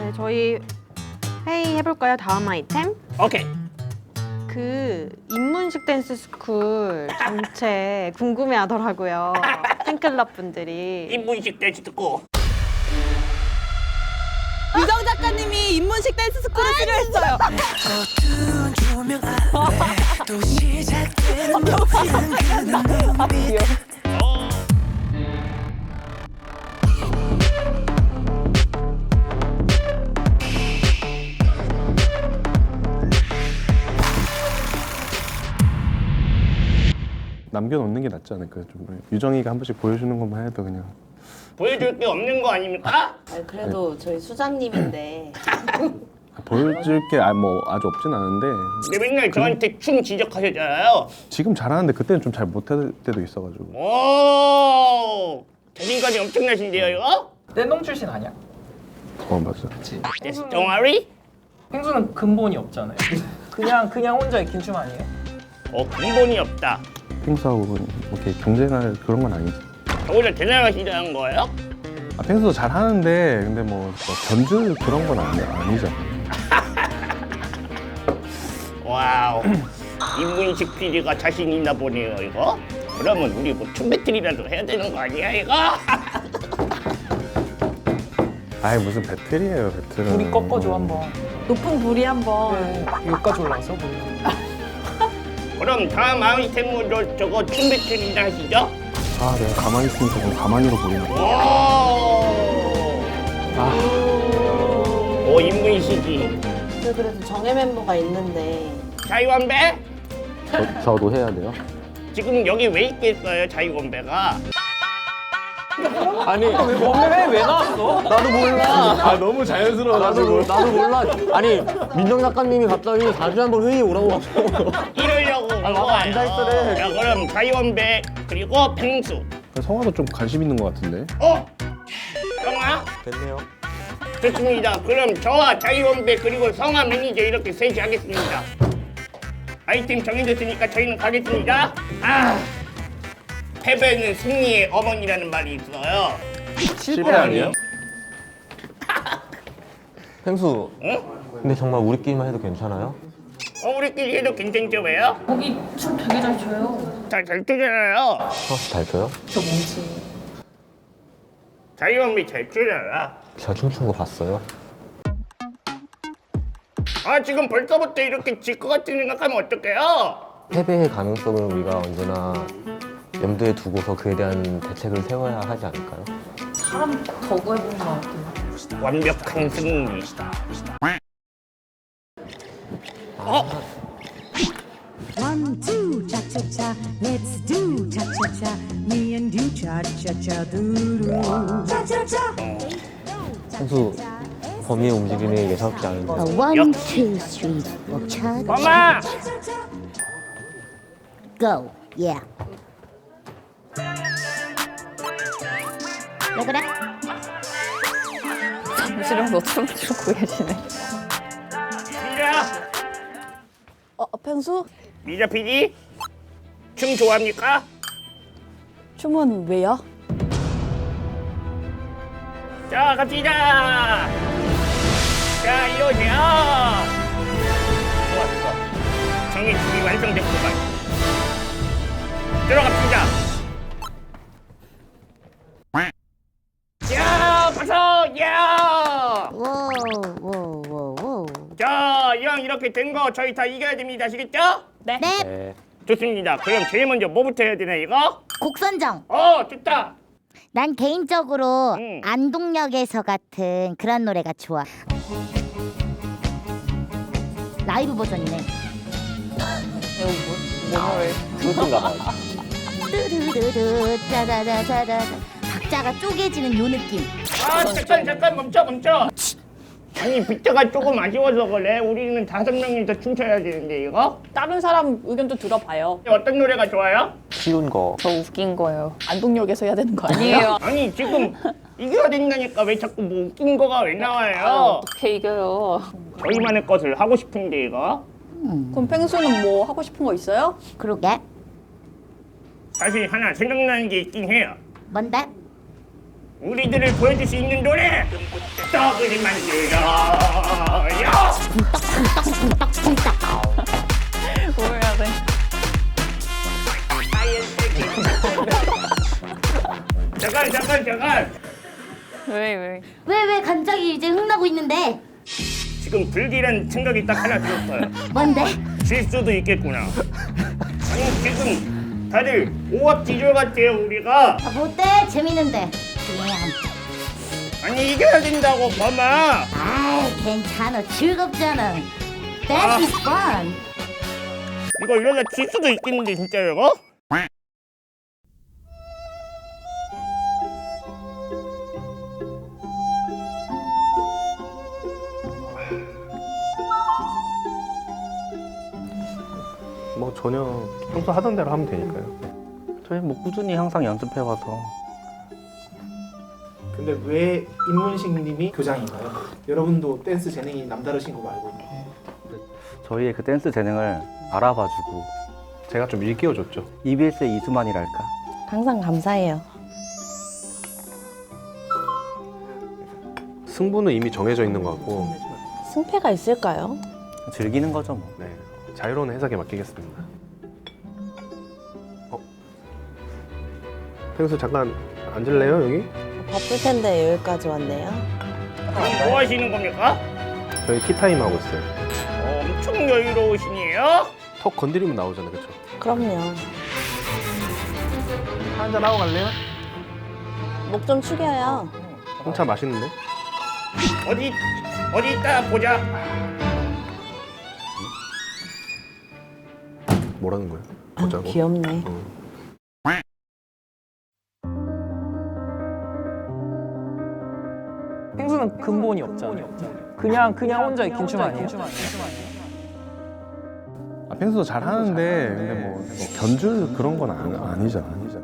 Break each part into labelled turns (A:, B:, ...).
A: 네, 저희 회의 해볼까요? 다음 아이템?
B: 오케이.
A: 그 인문식 댄스 스쿨 전체 궁금해하더라고요. 팬클럽 분들이.
B: 인문식 댄스 듣고.
C: 유정 작가님이 인문식 댄스 스쿨을 필요했어요.
D: 어두운 조명 아래 또 시작되는 모든 그 눈빛
E: 남겨놓는 게 낫지 않을까요? 좀 유정이가 한 번씩 보여주는 것만 해도 그냥
B: 보여줄 게 없는 거 아닙니까?
F: 아니, 그래도 저희 수장님인데
E: 보여줄 게 뭐 아주 없진 않은데
B: 근데 맨날 저한테 춤 지적하셨잖아요.
E: 지금 잘하는데 그때는 좀 잘 못할 때도 있어가지고
B: 오, 자신감이 엄청나신데요, 이거?
G: 댄동 출신 아니야?
E: 맞아.
G: 그치.
B: 댄스 동아리?
G: 펭수는 근본이 없잖아요. 그냥 혼자 익힌 춤 아니에요?
B: 근본이 없다.
E: 펭수하고 이렇게 경쟁할 그런 건 아니지.
B: 저보다 대단하시다는 거예요?
E: 펭수도 잘하는데 근데 뭐 견줄 그런 건 아니죠.
B: 와우. 인문식 PD가 자신 있나 보네요, 이거. 그러면 우리 뭐 춤 배틀이라도 해야 되는 거 아니야, 이거?
E: 아이 무슨 배틀이에요, 배틀은.
G: 우리 꺾어줘 한번.
A: 높은 불이 한번.
G: 네, 여기까지 올라왔어 뭐.
B: 그럼 다음 아이템으로 저거 춤 배틀이나 하시죠?
E: 아 내가 가만히 있으면 조금 가만히로 보이네.
B: 오, 인문식이.
F: 저 그래도 정예 멤버가 있는데
B: 자유원배?
E: 저도 해야 돼요?
B: 지금 여기 왜 있겠어요, 자유원배가?
H: 아니
G: 왜 나왔어?
H: 나도 몰라.
E: 너무 자연스러워가지고.
H: 나도 몰라. 아니 민정 작가님이 갑자기 4주에 한 번 회의 오라고 하고.
B: 이러려고 온
H: 나도
B: 거예요.
H: 앉아있으래.
B: 자, 그럼 자유원배 그리고 펭수.
E: 성화도 좀 관심 있는 것 같은데.
B: 성아?
H: 됐네요.
B: 좋습니다. 그럼 저와 자유원배 그리고 성아 매니저 이렇게 셋이 하겠습니다. 아이템 정해졌으니까 저희는 가겠습니다. 패배는 승리의 어머니라는 말이 있어요.
E: 실패 아니에요?
H: 펭수.
B: 응?
H: 근데 정말 우리끼리만 해도 괜찮아요?
B: 우리끼리 해도 괜찮죠, 왜요?
A: 거기 춤 되게 잘 춰요.
B: 잘 추잖아요.
H: 성아씨 잘 춰요?
B: 자유원배 잘 추잖아.
H: 제가 춤춘 거 봤어요?
B: 지금 벌써부터 이렇게 질 것 같은 생각하면 어떡해요?
H: 패배의 가능성을 우리가 언제나 염두에 두고서 그에 대한 대책을 세워야 하지 않을까요?
A: 사람 더 구해보는 것 같아요.
B: 완벽한 승리.
I: One, two, cha cha cha, let's do cha cha cha. Me and you cha cha cha do do. Cha cha cha.
H: 펭수 범위의 움직임이 예사롭지 않은데.
J: One, two, three, four, cha
B: 엄마!
J: go. Yeah. 왜 그래?
A: 잠시라도 춤 추고 계시네.
B: 미자!
C: 펭수?
B: 미자 PD? 춤 좋아합니까?
C: 춤은 왜요?
B: 자, 갑시다! 자, 이러세요! 좋아, 좋아. 정의 준비 완성됐구만. 들어갑시다! 야, 박수! 야!
J: 오.
B: 자, 이왕 이렇게 된 거 저희 다 이겨야 됩니다. 아시겠죠?
J: 네.
H: 네.
B: 좋습니다. 그럼 제일 먼저 뭐부터 해야 되나, 이거?
J: 곡 선정.
B: 좋다!
J: 난 개인적으로
B: 응.
J: 안동역에서 같은 그런 노래가 좋아. 라이브 버전이네.
H: 그것인가 봐.
J: 뚜루루루 짜자자자자. 박자가 쪼개지는 요 느낌.
B: 잠깐 멈춰. 아니, 빗자가 조금 아쉬워서 그래. 우리는 5명이서 춤춰야 되는데, 이거?
C: 다른 사람 의견도 들어봐요.
B: 어떤 노래가 좋아요?
H: 쉬운 거.
A: 저 웃긴 거예요.
C: 안동역에서 해야 되는 거 아니에요?
B: 아니, 지금 이겨야 된다니까 왜 자꾸 뭐 웃긴 거가 왜 나와요?
A: 어떻게 이겨요?
B: 저희만의 것을 하고 싶은데, 이거?
C: 그럼 펭수는 뭐 하고 싶은 거 있어요?
J: 그러게.
B: 사실 하나 생각나는 게 있긴 해요.
J: 뭔데?
B: 우리들을 보여줄 수 있는 노래 떡을 만들어요.
A: 뭐 해야 돼?
B: 잠깐.
A: 왜?
J: 왜 간장이 이제 흥나고 있는데?
B: 지금 불길한 생각이 딱 하나 들었어요.
J: 뭔데?
B: 질 수도 있겠구나. 아니 지금 다들 오합지졸 같아요 우리가.
J: 아, 뭐 어때? 재밌는데. 그냥.
B: 아니 이겨야 된다고 범아.
J: 아이 괜찮아. 즐겁잖아. That is fun.
B: 이거 이러다 질 수도 있겠는데 진짜 이거?
E: 뭐 전혀 평소 하던 대로 하면 되니까요.
H: 저희 뭐 꾸준히 항상 연습해와서.
K: 근데 왜 임문식 님이 교장인가요? 여러분도 댄스 재능이 남다르신 거 알고 있나요?
H: 저희의 그 댄스 재능을 알아봐주고
E: 제가 좀 일깨워줬죠.
H: EBS의 이수만이랄까.
F: 항상 감사해요.
E: 승부는 이미 정해져 있는 것 같고
F: 승패가 있을까요?
H: 즐기는 거죠 뭐.
E: 네, 자유로운 해석에 맡기겠습니다. 펭수 잠깐 앉을래요 여기?
F: 바쁠 텐데 여기까지 왔네요.
B: 그럼 뭐 하시는 겁니까?
E: 저희 티타임 하고 있어요.
B: 엄청 여유로우시네요.
E: 턱 건드리면 나오잖아요, 그렇죠?
F: 그럼요.
E: 한잔 하고 갈래요?
F: 목 좀 축여요.
E: 홍차 맛있는데?
B: 어디 있다 보자.
E: 뭐라는 거야? 보자고.
F: 귀엽네.
G: 펭수는 근본이 없잖아요. 그냥 혼자 익힌 춤 아니에요?
E: 아, 펭수도 잘 하는데 근데 뭐 견줄 그런 건 아니잖아.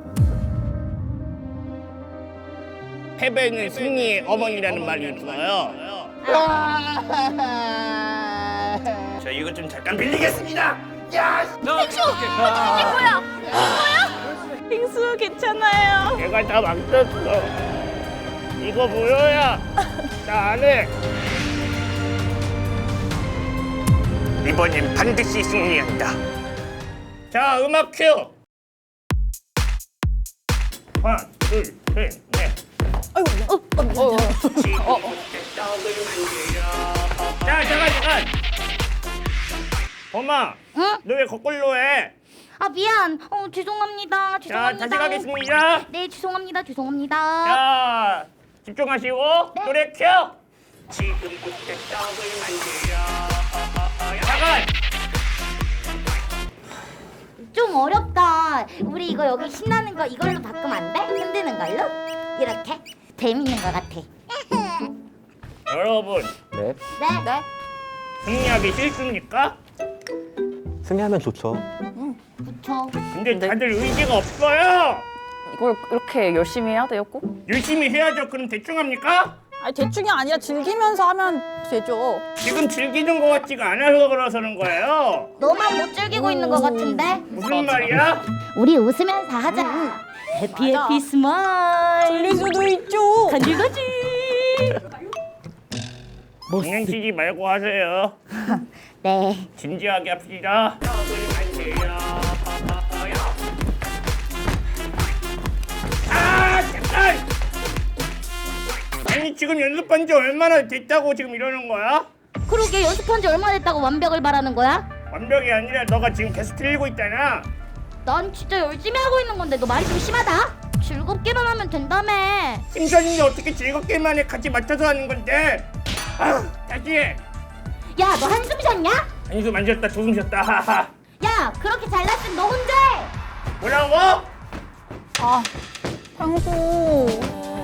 B: 패배는 승리의 어머니라는 말이 있어요. 저 이거 좀 잠깐 빌리겠습니다.
C: 빙수 괜찮아요.
B: 내가 다 망쳤어. 이거 뭐야? 나 안 해. 이번엔 반드시 승리한다. 자, 음악 큐. 하나, 둘, 셋, 넷. 자, 잠깐. 범아,
J: 응?
B: 너 왜 거꾸로 해?
J: 아 미안. 죄송합니다.
B: 자, 다시 가겠습니다.
J: 네 죄송합니다.
B: 자, 집중하시고 노래 켜. 지금부터 떡을 만들어. 잠깐.
J: 좀 어렵다. 우리 이거 여기 신나는 거 이걸로 바꾸면 안 돼? 흔드는 걸로? 이렇게 재밌는 거 같아.
B: 여러분,
H: 네.
J: 네.
B: 승리하기 싫습니까?
H: 승리하면 좋죠.
J: 그쵸.
B: 근데 다들 의지가 없어요.
A: 이걸 이렇게 열심히 해야 돼요, 꼭?
B: 열심히 해야죠. 그럼 대충 합니까?
C: 아니 대충이 아니라 즐기면서 하면 되죠.
B: 지금 즐기는 것 같지가 않아서 그러서는 거예요.
J: 너만 못 즐기고 있는 거 같은데?
B: 무슨 말이야?
J: 우리 웃으면서 하자. 해피
C: 맞아.
J: 해피 스마일.
C: 즐길 수도 있죠.
J: 간질간질.
B: 장난치지 말고 하세요.
J: 네.
B: 진지하게 합시다. 아, 잠깐! 아니 지금 연습한 지 얼마나 됐다고 지금 이러는 거야?
J: 그러게 연습한 지 얼마 됐다고 완벽을 바라는 거야?
B: 완벽이 아니라 너가 지금 계속 틀리고 있잖아.
J: 난 진짜 열심히 하고 있는 건데 너 말이 좀 심하다. 즐겁게만 하면 된다며.
B: 심사인데 어떻게 즐겁게만 해? 같이 맞춰서 하는 건데. 아, 다시 해.
J: 야, 너 한숨 쉬었냐?
B: 한숨 안 쉬었다, 두숨 쉬었다. 하하.
J: 야, 그렇게 잘났으면 너 혼자 해.
B: 뭐라고?
C: 아, 펭수.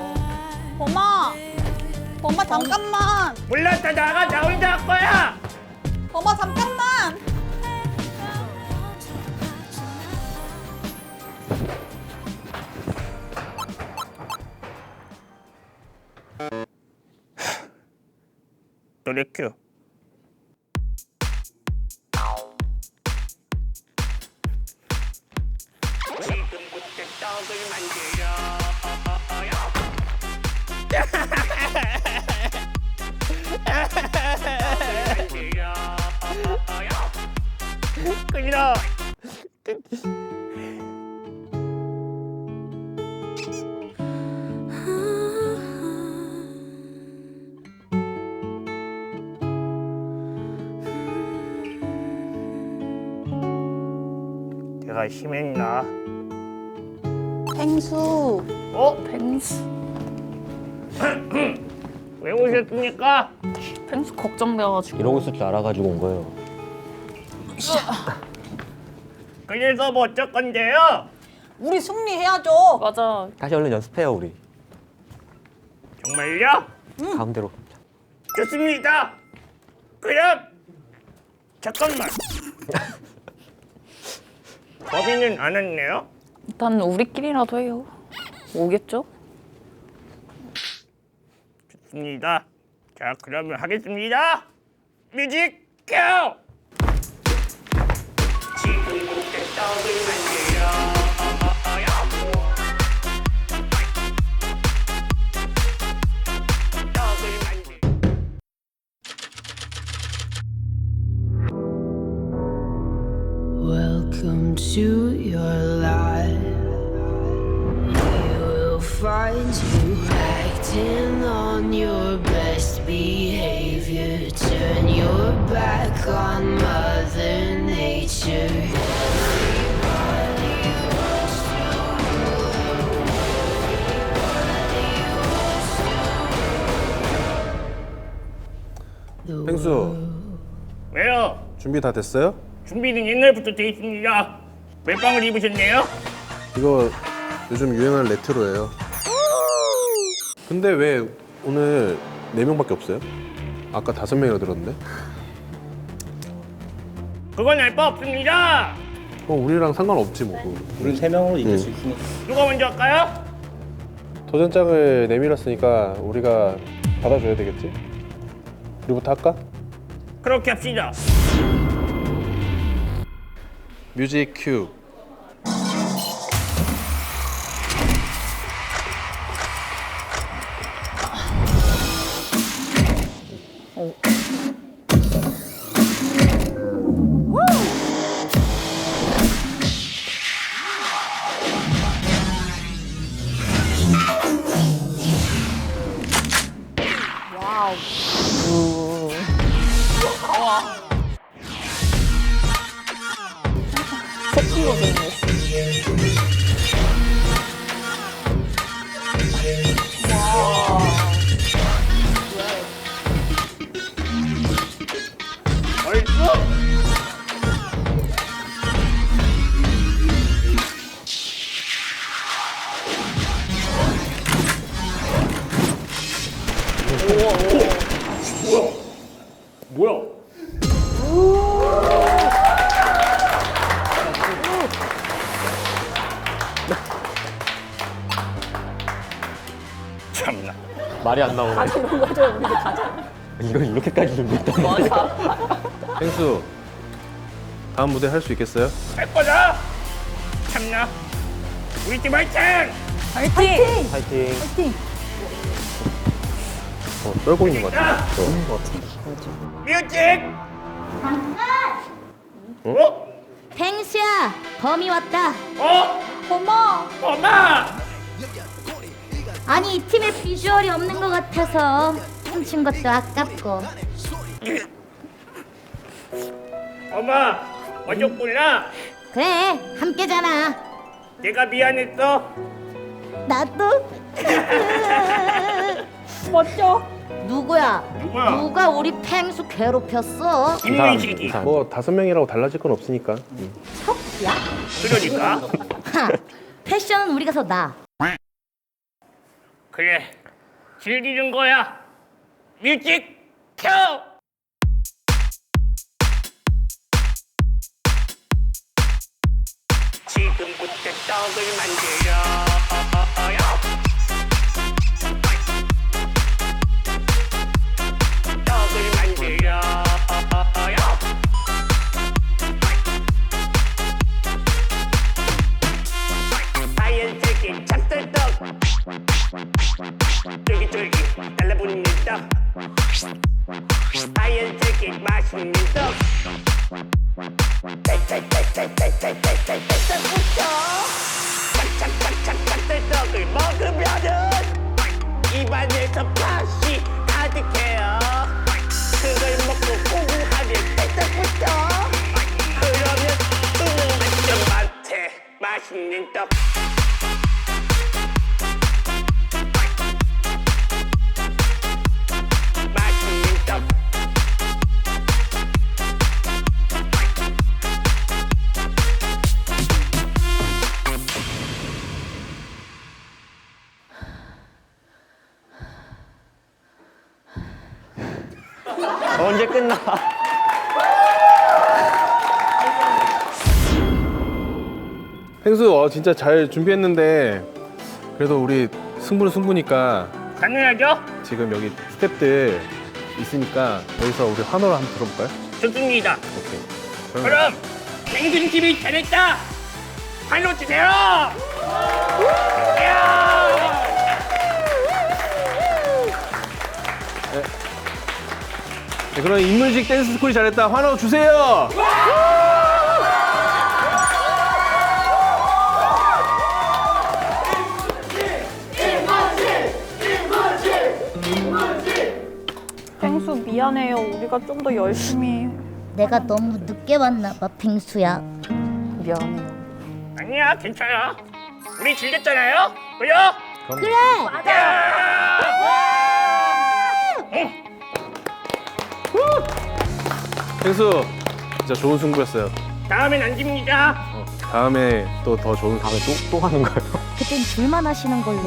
C: 범아 잠깐만.
B: 몰라, 다 나가. 나 혼자 할 거야.
C: 범아 잠깐만.
B: 노래 큐. 지금부터 떡을 만들어요. 내가 심했나?
F: 펭수.
A: 펭수.
B: 왜 오셨습니까?
A: 펭수 걱정돼가지고.
H: 이러고 있을 줄 알아가지고 온 거예요.
B: 그래서 뭐 어쩔 건데요?
C: 우리 승리해야죠.
A: 맞아.
H: 다시 얼른 연습해요 우리.
B: 정말요?
H: 가운데로.
B: 좋습니다. 그럼 잠깐만. 범인은 안 왔네요?
A: 일단 우리끼리라도 해요. 오겠죠?
B: 좋습니다. 자, 그러면 하겠습니다. 뮤직 큐! 지금부터 떡을 만들어요. 떡을 만들.
D: Welcome to your life. You will find you acting on your best behavior. Turn your back on Mother Nature.
E: 펭수,
B: 왜요?
E: 준비 다 됐어요?
B: 준비는 옛날부터 돼 있습니다. 멜빵을 입으셨네요?
E: 이거 요즘 유행하는 레트로예요. 근데 왜 오늘 4명밖에 없어요? 아까 5명이라 들었는데?
B: 그건 알 바 없습니다.
E: 우리랑 상관없지 뭐.
H: 우리 3명으로 이길 수 있으니까.
B: 누가 먼저 할까요?
E: 도전장을 내밀었으니까 우리가 받아줘야 되겠지? 우리부터 할까?
B: 그렇게 합시다.
E: 뮤직 큐.
A: 새끼로 생겼어.
B: 벌써? 뭐야? 참나.
H: 말이 안 나오네. 이건 이렇게까지 준비했단 말이야.
E: 펭수, 다음 무대 할 수 있겠어요?
B: 할 거다. 참나. 우리 팀 화이팅!
A: 화이팅!
H: 파이팅.
E: 떨고 있는 것 같아.
B: 뮤직! 어?
J: 펭수야, 범이 왔다.
B: 어?
C: 고마워.
B: 엄마!
J: 아니 이 팀에 비주얼이 없는 것 같아서 훔친 것도 아깝고.
B: 엄마! 어졌구나.
J: 그래, 함께잖아.
B: 내가 미안했어.
J: 나도.
C: 멋져.
J: 누구야?
B: 누구야?
J: 누가 우리 펭수 괴롭혔어?
B: 김민식이.
E: 뭐 5명이라고 달라질 건 없으니까.
J: 야?
B: 그러니까.
J: 하, 패션은 우리가 더 나아.
B: 그래. 즐기는 거야. 뮤직 큐! 지금부터 떡을 만들어요. 떡을 만들어요. 하얀색의 찹쌀떡, 쫄깃쫄깃 달라붙는 떡, 하얀색의 맛있는 떡, 쌀쌀쌀쌀쌀쌀쌀쌀쌀부터 착착착착 찹쌀떡을 먹으면은 입안에서 맛이 가득해요. 그걸 먹고 공부하면 쌀떡부터 그러면 만점 만점 맛있는 떡. 맛있는 떡.
H: 언제 끝나?
E: 펭수 진짜 잘 준비했는데 그래도 우리 승부는 승부니까
B: 가능하죠?
E: 지금 여기 스태프들 있으니까 여기서 우리 환호를 한번 들어볼까요?
B: 좋습니다.
E: 오케이.
B: 그럼 펭수님 팀이 잘했다. 환호 주세요.
E: 네, 그럼 인문식 댄스 스쿨이 잘했다. 환호 주세요.
A: 펭수 미안해요. 우리가 좀 더 열심히.
J: 내가 너무 늦게 왔나 봐, 빙수야.
A: 미안해요.
B: 아니야, 괜찮아. 우리 즐겼잖아요. 그죠?
J: 그래.
E: 펭수 진짜 좋은 승부였어요.
B: 다음엔 안 집니다.
E: 다음에 또 더 좋은 다음에 또 하는 거예요.
J: 그땐 둘만 하시는 걸로.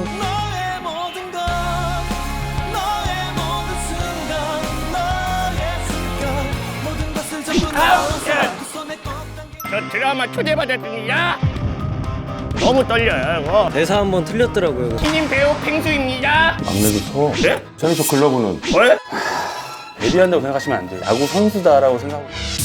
B: 저 드라마 초대받았습니다. 너무 떨려요, 이거.
L: 대사 한번 틀렸더라고요.
B: 신인 배우 펭수입니다.
M: 막내도 쳐.
B: 네?
M: 저는 저 글러브는
B: 왜?
M: 데뷔한다고 생각하시면 안 돼요. 야구 선수다라고 생각하고.